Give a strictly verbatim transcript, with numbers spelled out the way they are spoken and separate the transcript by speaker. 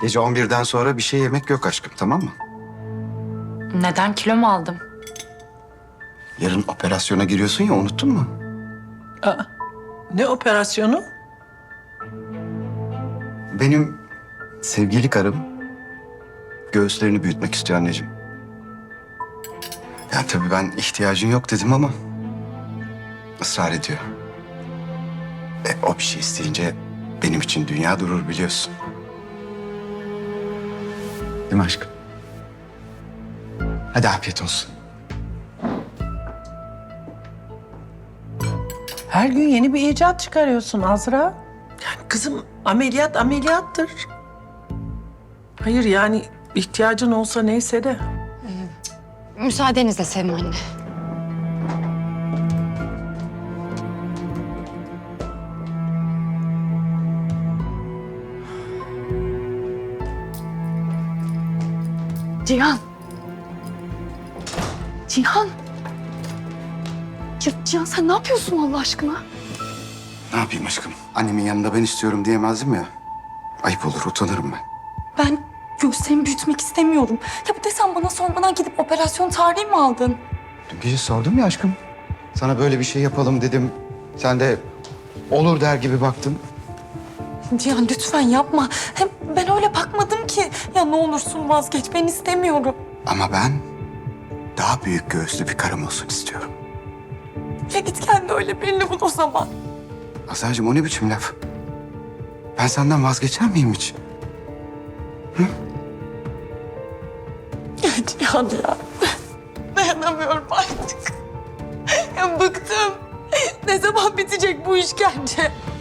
Speaker 1: Gece on birden sonra bir şey yemek yok aşkım, tamam mı?
Speaker 2: Neden, kilo mu aldım?
Speaker 1: Yarın operasyona giriyorsun ya, unuttun mu?
Speaker 3: Aa, ne operasyonu?
Speaker 1: Benim sevgili karım göğüslerini büyütmek istiyor anneciğim. Yani tabii ben ihtiyacın yok dedim ama ısrar ediyor. E, o bir şey isteyince benim için dünya durur biliyorsun. Değil mi aşkım? Hadi afiyet olsun.
Speaker 3: Her gün yeni bir icat çıkarıyorsun Azra. Yani kızım ameliyat ameliyattır. Hayır yani ihtiyacın olsa neyse de.
Speaker 4: Müsaadenizle Sevim anne. Cihan. Cihan. Ya Cihan sen ne yapıyorsun Allah aşkına?
Speaker 1: Ne yapayım aşkım? Annemin yanında ben istiyorum diyemezdim ya. Ayıp olur, utanırım ben.
Speaker 2: Ben göğüslerimi büyütmek istemiyorum. Ya bir de sen bana sormadan gidip operasyon tarihi mi aldın?
Speaker 1: Dün gece sordum ya aşkım. Sana böyle bir şey yapalım dedim. Sen de olur der gibi baktın.
Speaker 2: Cihan lütfen yapma. Hem ben öyle bakmadım ki. Ya ne olursun vazgeç, ben istemiyorum.
Speaker 1: Ama ben daha büyük göğüslü bir karım olsun istiyorum.
Speaker 2: Ya git kendi öyle birini bul o zaman.
Speaker 1: Azra'cığım o ne biçim laf? Ben senden vazgeçer miyim hiç?
Speaker 2: Ya Cihan ya. Dayanamıyorum artık. Ya bıktım. Ne zaman bitecek bu işkence?